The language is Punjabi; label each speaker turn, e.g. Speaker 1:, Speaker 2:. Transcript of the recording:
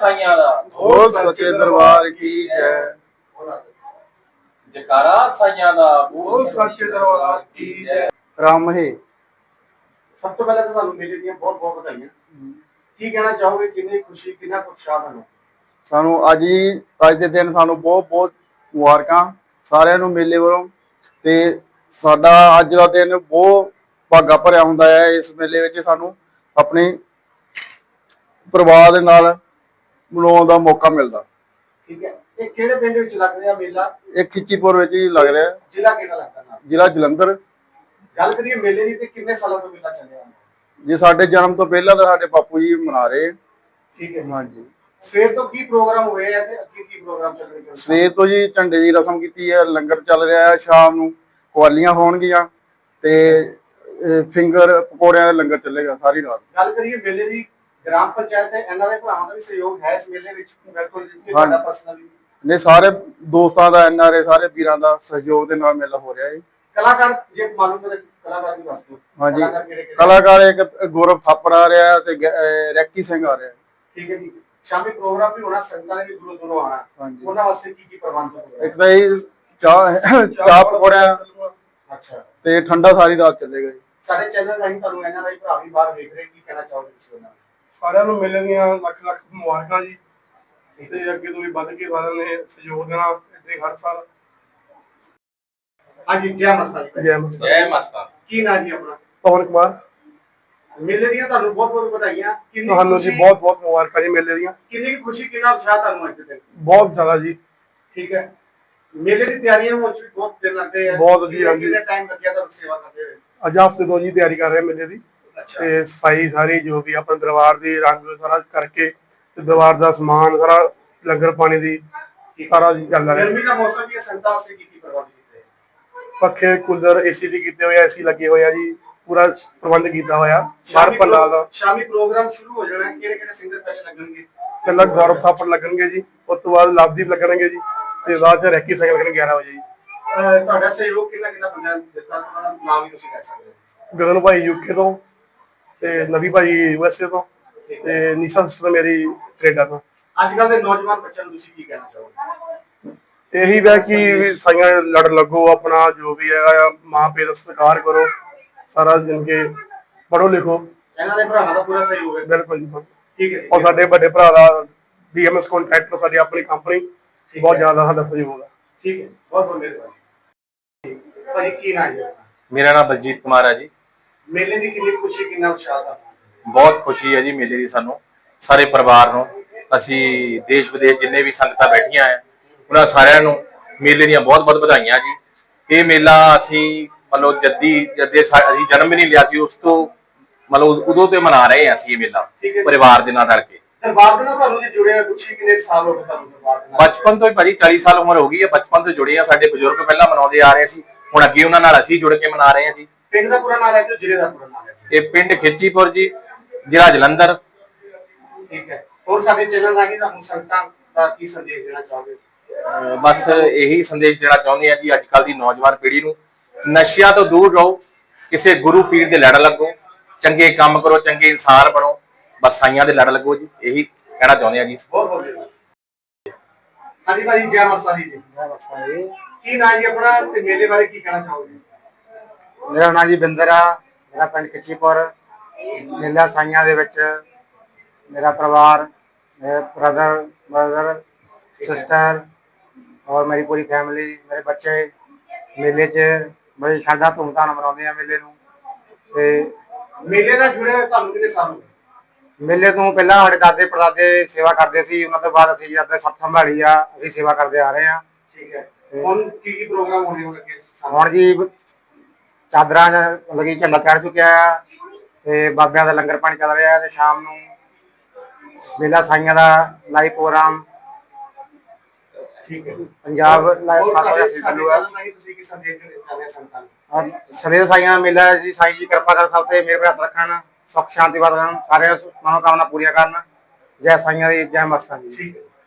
Speaker 1: ਸਾਈਆਂ ਦਾ,
Speaker 2: बोल सच्चे दरबार की जय।
Speaker 1: जयकारा साईयां दा,
Speaker 2: बोल सच्चे दरबार की जय। राम है।
Speaker 3: सब तो पहले तो ਤੁਹਾਨੂੰ ਮੇਲੇ ਦੀਆਂ ਬਹੁਤ ਬਹੁਤ ਵਧਾਈਆਂ। ਕੀ ਕਹਿਣਾ ਚਾਹੋਗੇ, ਕਿੰਨੀ ਖੁਸ਼ੀ, ਕਿੰਨਾ ਉਤਸ਼ਾਹ ਤੁਹਾਨੂੰ?
Speaker 2: ਸਾਨੂੰ ਅੱਜ ਦੇ ਦਿਨ ਸਾਨੂੰ ਬਹੁਤ ਬਹੁਤ ਮੁਬਾਰਕਾਂ ਸਾਰਿਆਂ ਨੂੰ ਮੇਲੇ ਵੱਲੋਂ। ਤੇ ਸਾਡਾ ਅੱਜ ਦਾ ਦਿਨ ਬਹੁਤ ਭਾਗਾ ਭਰਿਆ ਹੁੰਦਾ ਹੈ। ਇਸ ਮੇਲੇ ਵਿੱਚ ਸਾਨੂੰ ਆਪਣੇ ਪਰਿਵਾਰ ਦੇ ਨਾਲ ਮਨਾਉਣ ਦਾ ਮੌਕਾ ਮਿਲਦਾ।
Speaker 3: ਠੀਕ ਹੈ, ਇਹ ਕਿਹੜੇ ਪਿੰਡ ਵਿੱਚ ਲੱਗ ਰਿਹਾ ਮੇਲਾ?
Speaker 2: ਇਹ ਖਿੱਚੀਪੁਰ ਵਿੱਚ ਹੀ ਲੱਗ ਰਿਹਾ।
Speaker 3: ਜ਼ਿਲ੍ਹਾ ਕਿਹੜਾ ਲੱਗਦਾ ਨਾਲ?
Speaker 2: ਜ਼ਿਲ੍ਹਾ ਜਲੰਧਰ।
Speaker 3: ਗੱਲ ਕਰੀਏ ਮੇਲੇ ਦੀ ਤੇ ਕਿੰਨੇ ਸਾਲਾਂ ਤੋਂ ਮੇਲਾ ਚੱਲਿਆ?
Speaker 2: ਜੀ ਸਾਡੇ ਜਨਮ ਤੋਂ ਪਹਿਲਾਂ ਤਾਂ ਸਾਡੇ ਬਾਪੂ ਜੀ ਮਨਾ ਰਹੇ।
Speaker 3: ਠੀਕ ਹੈ ਜੀ।
Speaker 2: ਹਾਂਜੀ।
Speaker 3: ਸਵੇਰ ਤੋਂ ਕੀ ਪ੍ਰੋਗਰਾਮ ਹੋਏ ਆ ਤੇ ਅੱਗੇ ਕੀ ਪ੍ਰੋਗਰਾਮ ਚੱਲ ਰਹੇ?
Speaker 2: ਸਵੇਰ ਤੋਂ ਜੀ ਝੰਡੇ ਦੀ ਰਸਮ ਕੀਤੀ ਹੈ, ਲੰਗਰ ਚੱਲ ਰਿਹਾ ਹੈ, ਸ਼ਾਮ ਨੂੰ ਕਵਾਲੀਆਂ ਹੋਣਗੀਆਂ ਤੇ ਫਿੰਗਰ ਪਕੌੜਿਆਂ ਦਾ ਲੰਗਰ ਚੱਲੇਗਾ ਸਾਰੀ ਰਾਤ।
Speaker 3: ਗੱਲ ਕਰੀਏ ਮੇਲੇ ਦੀ, ਗ੍ਰਾਮ ਪੰਚਾਇਤ ਤੇ ਐਨਆਰਆਈ ਭਰਾਵਾਂ ਦਾ ਵੀ ਸਹਿਯੋਗ ਹੈ ਇਸ ਮੇਲੇ ਵਿੱਚ? ਬਿਲਕੁਲ ਜੀ, ਤੁਹਾਡਾ ਪਰਸਨਲੀ?
Speaker 2: ਨੇ ਸਾਰੇ ਦੋਸਤਾਂ ਦਾ, ਐਨਆਰਆਈ ਸਾਰੇ ਵੀਰਾਂ ਦਾ ਸਹਿਯੋਗ ਦੇ ਨਾਲ ਮੇਲਾ ਹੋ ਰਿਹਾ ਹੈ।
Speaker 3: ਕਲਾਕਾਰ ਜੇ ਮਾਲੂਮ ਹੈ, ਕਲਾਕਾਰ ਵੀ ਦੱਸ ਦਿਓ।
Speaker 2: ਹਾਂਜੀ,
Speaker 3: ਕਿਹੜੇ?
Speaker 2: ਕਲਾਕਾਰ ਇੱਕ ਗੌਰਵ ਥਾਪੜ ਆ ਰਿਹਾ ਤੇ ਰੈਕੀ ਸਿੰਘ ਆ ਰਿਹਾ।
Speaker 3: ਠੀਕ ਹੈ ਜੀ। ਸ਼ਾਮੀ ਪ੍ਰੋਗਰਾਮ ਵੀ ਹੋਣਾ, ਸੰਗਤਾਂ ਨੇ ਵੀ ਦੂਰੋਂ ਦੂਰੋਂ ਆਉਣਾ।
Speaker 2: ਹਾਂਜੀ।
Speaker 3: ਉਹਨਾਂ ਵਾਸਤੇ ਕੀ ਕੀ ਪ੍ਰਬੰਧ ਹੋਣਗੇ?
Speaker 2: ਇੱਕ ਤਾਂ ਇਹ ਚਾਹ ਪਕੌੜਿਆਂ
Speaker 3: ਅੱਛਾ
Speaker 2: ਤੇ ਠੰਡਾ ਸਾਰੀ ਰਾਤ ਚੱਲੇਗਾ ਜੀ।
Speaker 3: ਸਾਡੇ ਚੈਨਲ ਰਾਹੀਂ ਤੁਹਾਨੂੰ ਐਨਆਰਆਈ ਭਰਾ ਵੀ ਬਾਹਰ ਵੇਖ ਰਹੇ, ਕੀ ਕਹਿਣਾ ਚਾਹੋਗੇ ਤੁਸੀਂ ਉਹਨਾਂ ਨੂੰ?
Speaker 4: ਸਾਰਿਆਂ ਨੂੰ ਮੇਲੇ ਦੀਆਂ ਲੱਖ ਲੱਖ ਮੁਬਾਰਕਾਂ ਜੀ। ਤੇ ਅੱਗੇ ਤੋਂ ਵੀ ਵੱਧ ਕੇ ਸਾਰਿਆਂ ਨੇ ਸਹਿਯੋਗ ਦੇਣਾ ਇੱਥੇ ਹਰ ਸਾਲ।
Speaker 3: ਹਾਂਜੀ, ਜੈ ਮਸਤਾ ਜੀ।
Speaker 4: ਜੈ ਮਸਤਾਨ।
Speaker 1: जय मस्ता।
Speaker 3: ਕੀ ਨਾਂ ਜੀ ਆਪਣਾ?
Speaker 4: ਪਵਨ ਕੁਮਾਰ।
Speaker 3: ਮੇਲੇ ਦੀਆਂ ਤੁਹਾਨੂੰ ਬਹੁਤ ਬਹੁਤ ਵਧਾਈਆਂ। ਕਿੰਨੀ
Speaker 4: ਤੁਹਾਨੂੰ ਜੀ
Speaker 3: ਖੁਸ਼ੀ,
Speaker 4: ਬਹੁਤ ਬਹੁਤ ਮੁਬਾਰਕਾਂ ਜੀ ਮੇਲੇ ਦੀਆਂ।
Speaker 3: ਕਿੰਨੀ ਖੁਸ਼ੀ, ਕਿੰਨਾ ਉਤਸ਼ਾਹ ਤੁਹਾਨੂੰ ਅੱਜ ਦੇ ਦਿਨ?
Speaker 4: ਬਹੁਤ ਜ਼ਿਆਦਾ ਜੀ।
Speaker 3: ਠੀਕ ਹੈ। ਮੇਲੇ ਦੀ ਤਿਆਰੀਆਂ ਹੋਣ ਚ ਵੀ ਬਹੁਤ ਦਿਨ ਲੱਗਦੇ ਆ।
Speaker 4: ਬਹੁਤ ਜੀ, ਹਾਂਜੀ।
Speaker 3: ਕਿੰਨਾ ਟਾਈਮ ਲੱਗਿਆ ਤੁਹਾਨੂੰ ਸੇਵਾ ਕਰਦੇ ਹੋਏ?
Speaker 4: ਅੱਜ ਹਫ਼ਤੇ ਤੋਂ ਜੀ ਤਿਆਰੀ ਕਰ ਰਹੇ ਮੇਲੇ ਦੀ।
Speaker 3: ਅੱਛਾ।
Speaker 4: ਤੇ ਸਫਾਈ ਸਾਰੀ ਜੋ ਵੀ ਆਪਣੇ ਦਰਬਾਰ ਦੀ ਰੰਗ ਸਾਰਾ ਕਰਕੇ ਤੇ ਦਰਬਾਰ ਦਾ ਸਮਾਨ ਸਾਰਾ, ਲੰਗਰ ਪਾਣੀ ਦੀ ਸਾਰਾ ਜੀ ਚੱਲਦਾ ਰਿਹਾ।
Speaker 3: ਗਰਮੀ ਦਾ ਮੌਸਮ ਵੀ ਹੈ, ਸੰਗਤਾਂ ਵਾਸਤੇ ਕੀ ਕੀ ਪ੍ਰਬੰਧ ਕੀਤੇ?
Speaker 4: ਪੱਖੇ, ਕੂਲਰ, ਏਸੀ ਵੀ ਕੀਤੇ ਹੋਏ ਆ, ਏਸੀ ਲੱਗੇ ਹੋਏ ਆ ਜੀ। ਪੂਰਾ ਪ੍ਰਬੰਧ ਕੀਤਾ ਹੋਇਆ ਬਾਹਰ ਪੰਡਾਲ ਦਾ।
Speaker 3: ਸ਼ਾਮੀ ਪ੍ਰੋਗਰਾਮ ਸ਼ੁਰੂ ਹੋ ਜਾਣਾ। ਕਿਹੜੇ ਕਿਹੜੇ ਸਿੰਗਰ ਪਹਿਲੇ ਲੱਗਣਗੇ?
Speaker 4: ਪਹਿਲਾਂ ਗੌਰਵ ਥਾਪੜ ਲੱਗਣਗੇ ਜੀ, ਉਸ ਤੋਂ ਬਾਅਦ ਲਵਦੀਪ ਲੱਗਣਗੇ ਜੀ, ਤੇ ਬਾਅਦ ਚ ਰੈਕੀ ਸਿੰਘ ਲੱਗਣਗੇ 11 ਵਜੇ ਜੀ।
Speaker 3: ਤੁਹਾਡਾ ਸਹਿਯੋਗ ਕਿੰਨਾ ਕਿੰਨਾ ਬੰਦਾ ਦਿੱਤਾ? ਉਹਨਾਂ ਦਾ ਨਾਮ ਵੀ ਤੁਸੀਂ ਕਹਿ ਸਕਦੇ ਹੋ।
Speaker 4: ਗਗਨ ਭਾਈ ਯੂਕੇ ਤੋਂ, ਤੇ ਨਵੀ ਭਾਈ ਯੂਐਸਏ ਤੋਂ, ਤੇ ਨੀਸ਼ਾ ਸਿਸਟਰ ਮੇਰੀ ਕੈਨੇਡਾ ਤੋਂ।
Speaker 3: ਅੱਜ ਕੱਲ ਦੇ ਨੌਜਵਾਨ ਬੱਚਿਆਂ ਨੂੰ ਤੁਸੀਂ ਕੀ ਕਹਿਣਾ ਚਾਹੋਗੇ?
Speaker 4: ਇਹੀ ਵੈ ਕਿ ਸਾਈਆਂ ਲੜ ਲੱਗੋ, ਆਪਣਾ ਜੋ ਵੀ ਹੈਗਾ ਮਾਂ ਪਿਓ ਦਾ ਸਤਿਕਾਰ ਕਰੋ, ਸਾਰਾ ਦਿਨ ਕੇ ਪੜ੍ਹੋ ਲਿਖੋ।
Speaker 3: ਇਹਨਾਂ ਦੇ ਭਰਾਵਾਂ ਦਾ ਪੂਰਾ ਸਹਿਯੋਗ ਹੈ?
Speaker 4: ਬਿਲਕੁਲ ਜੀ।
Speaker 3: ਠੀਕ ਹੈ ਜੀ।
Speaker 4: ਔਰ ਸਾਡੇ ਵੱਡੇ ਭਰਾ ਦਾ ਡੀਐਮਐਸ ਕੰਟਰੈਕਟਰ, ਸਾਡੀ ਆਪਣੀ ਕੰਪਨੀ, ਬਹੁਤ ਜ਼ਿਆਦਾ ਸਾਡਾ ਸਹਿਯੋਗ ਹੈ।
Speaker 3: ਠੀਕ ਹੈ, ਬਹੁਤ ਬਹੁਤ ਮਿਹਰਬਾਨੀ। ਭਾਈ ਕੀ ਨਾਮ ਹੈ?
Speaker 1: मेरा नाम बलजीत कुमार है जी।
Speaker 3: ਮੇਲੇ ਦੀ ਕਿੰਨੀ ਖੁਸ਼ੀ, ਕਿੰਨਾ ਉਤਸ਼ਾਹ ਦਾ?
Speaker 1: बहुत खुशी है जी मेले की सानू सारे परिवार ਨੂੰ। ਅਸੀਂ ਦੇਸ਼ ਵਿਦੇਸ਼ ਜਿੰਨੇ ਵੀ ਸੰਗਤਾਂ ਬੈਠੀਆਂ ਆ ਉਹਨਾਂ ਸਾਰਿਆਂ ਨੂੰ ਮੇਲੇ ਦੀਆਂ ਬਹੁਤ ਬਹੁਤ ਵਧਾਈਆਂ ਜੀ। ਇਹ ਮੇਲਾ ਅਸੀਂ ਮਤਲਬ ਜਦੇ ਅਸੀਂ ਜਨਮ ਵੀ ਨਹੀਂ ਲਿਆ ਸੀ, ਉਸ ਤੋਂ ਮਤਲਬ ਉਦੋਂ ਤੋਂ ਮਨਾ ਰਹੇ ਹਾਂ ਅਸੀਂ ਇਹ ਮੇਲਾ ਪਰਿਵਾਰ ਦੇ ਨਾਲ ਰਲ ਕੇ।
Speaker 3: ਦਰਬਾਰ ਦੇ ਨਾਲ ਤੁਹਾਨੂੰ ਜੇ ਜੁੜਿਆ ਪੁੱਛੀ ਕਿੰਨੇ ਸਾਲ ਹੋ ਗਏ ਤੁਹਾਨੂੰ ਦਰਬਾਰ ਦੇ ਨਾਲ?
Speaker 1: ਬਚਪਨ ਤੋਂ ਹੀ ਭਾਜੀ 40 ਸਾਲ ਉਮਰ ਹੋ ਗਈ ਹੈ, ਬਚਪਨ ਤੋਂ ਜੁੜੇ ਆ। ਸਾਡੇ ਬਜ਼ੁਰਗ ਪਹਿਲਾਂ ਮਨਾਉਂਦੇ ਆ ਰਹੇ ਸੀ, ਹੁਣ ਅੱਗੇ ਉਹਨਾਂ ਨਾਲ ਅਸੀਂ ਜੁੜ ਕੇ ਮਨਾ ਰਹੇ ਹਾਂ ਜੀ।
Speaker 3: ਪਿੰਡ ਦਾ ਪੂਰਾ ਨਾਮ ਹੈ ਤੇ ਜ਼ਿਲ੍ਹੇ ਦਾ ਪੂਰਾ ਨਾਮ ਹੈ?
Speaker 1: ਇਹ ਪਿੰਡ ਖਿੱਚੀਪੁਰ ਜੀ, ਜ਼ਿਲ੍ਹਾ ਜਲੰਧਰ।
Speaker 3: ਠੀਕ ਹੈ। ਹੋਰ ਸਾਡੇ ਚੈਨਲ ਰਾਹੀਂ ਤੁਹਾਨੂੰ ਸੰਗਤਾਂ ਦਾ ਕੀ ਸੰਦੇਸ਼ ਦੇਣਾ ਚਾਹੋਗੇ?
Speaker 1: ਬਸ ਇਹੀ ਸੰਦੇਸ਼ ਦੇਣਾ ਚਾਹੁੰਦੇ ਆ ਜੀ, ਅੱਜ ਕੱਲ ਦੀ ਨੌਜਵਾਨ ਪੀੜ੍ਹੀ ਨੂੰ ਨਸ਼ਿਆਂ ਤੋਂ ਦੂਰ ਰਹੋ, ਕਿਸੇ ਗੁਰੂ ਪੀਰ ਦੇ ਲੜ ਲੱਗੋ, ਚੰਗੇ ਕੰਮ ਕਰੋ, ਚੰਗੇ ਇਨਸਾਨ ਬਣੋ, ਬਸ ਸਾਈਆਂ ਦੇ ਲੜ ਲੱਗੋ ਜੀ। ਇਹੀ ਕਹਿਣਾ ਚਾਹੁੰਦੇ ਆ ਜੀ।
Speaker 3: ਬਹੁਤ ਬਹੁਤ ਧੰਨਵਾਦ। ਹਾਂਜੀ ਭਾਈ, ਜੈ ਮਸਤਾ ਜੀ।
Speaker 2: ਜੈ ਮਸਤਾਨ ਜੀ।
Speaker 3: ਕੀ ਨਾਮ ਜੀ ਆਪਣਾ ਤੇ ਮੇਲੇ ਬਾਰੇ ਕੀ ਕਹਿਣਾ ਚਾਹੋਗੇ?
Speaker 5: ਮੇਰਾ ਨਾਮ ਜੀ ਬਿੰਦਰ ਆ, ਮੇਰਾ ਪਿੰਡ ਖਿੱਚੀਪੁਰ। ਮੇਲਾ ਸਾਈਆਂ ਦੇ ਵਿੱਚ ਮੇਰਾ ਪਰਿਵਾਰ, ਮੇਰੇ ਬ੍ਰਦਰ ਸਿਸਟਰ ਔਰ ਮੇਰੀ ਪੂਰੀ ਫੈਮਿਲੀ, ਮੇਰੇ ਬੱਚੇ ਮੇਲੇ 'ਚ ਬੜੀ ਸ਼ਾਨਦਾਰ ਧੂਮਧਾਮ ਮਨਾਉਂਦੇ ਆ ਮੇਲੇ ਨੂੰ। ਤੇ
Speaker 3: ਮੇਲੇ ਨਾਲ ਜੁੜੇ ਹੋਏ ਤੁਹਾਨੂੰ ਕਿੰਨੇ ਸਾਲ ਹੋ ਗਏ?
Speaker 5: ਮੇਲੇ ਤੋਂ ਪਹਿਲਾਂ ਸਾਡੇ ਦਾਦੇ ਪੜਦਾਦੇ ਸੇਵਾ ਕਰਦੇ ਸੀ, ਉਹਨਾਂ ਤੋਂ ਬਾਅਦ ਅਸੀਂ ਜਦ ਸੱਤ ਸੰਭਾਲੀ ਆ, ਅਸੀਂ ਸੇਵਾ ਕਰਦੇ ਆ ਰਹੇ ਹਾਂ।
Speaker 3: ਠੀਕ ਹੈ। ਹੁਣ ਕੀ ਕੀ ਪ੍ਰੋਗਰਾਮ ਹੋਣੇ ਹੋਣਗੇ?
Speaker 5: ਹੁਣ ਜੀ ਚਾਦਰਾਂ ਲੱਗੀ, ਝੰਡਾ ਚੜ੍ਹ ਚੁੱਕਿਆ ਆ ਤੇ ਬਾਬਿਆਂ ਦਾ ਲੰਗਰ ਪਾਣੀ ਚੱਲ ਰਿਹਾ ਤੇ ਸ਼ਾਮ ਨੂੰ ਮੇਲਾ ਸਾਈਆਂ ਦਾ ਲਾਈਵ ਪ੍ਰੋਗਰਾਮ
Speaker 3: ਠੀਕ ਹੈ।
Speaker 5: ਪੰਜਾਬ ਲਾਈਵ
Speaker 3: ਸਾਡੇ
Speaker 5: ਸਾਡਾ
Speaker 3: ਚੈਨਲ ਰਾਹੀਂ ਤੁਸੀਂ ਕੀ ਸੰਦੇਸ਼ ਦੇਣਾ ਚਾਹੁੰਦੇ ਹੋ ਸੰਗਤਾਂ ਨੂੰ?
Speaker 5: ਸਵੇਰੇ ਸਾਈਆਂ ਦਾ ਮੇਲਾ ਜੀ, ਸਾਈਂ ਜੀ ਕਿਰਪਾ ਕਰ ਸਭ ਤੇ ਮੇਰੇ ਹੱਥ ਰੱਖਣ, ਸੁੱਖ ਸ਼ਾਂਤੀ ਵਰਤਣ, ਸਾਰੇ ਮਨੋਕਾਮਨਾ ਪੂਰੀਆਂ ਕਰਨ। ਜੈ ਸਾਈਆਂ ਦੀ, ਜੈ ਮਸਤਾਂ ਦੀ।
Speaker 3: ਠੀਕ ਹੈ।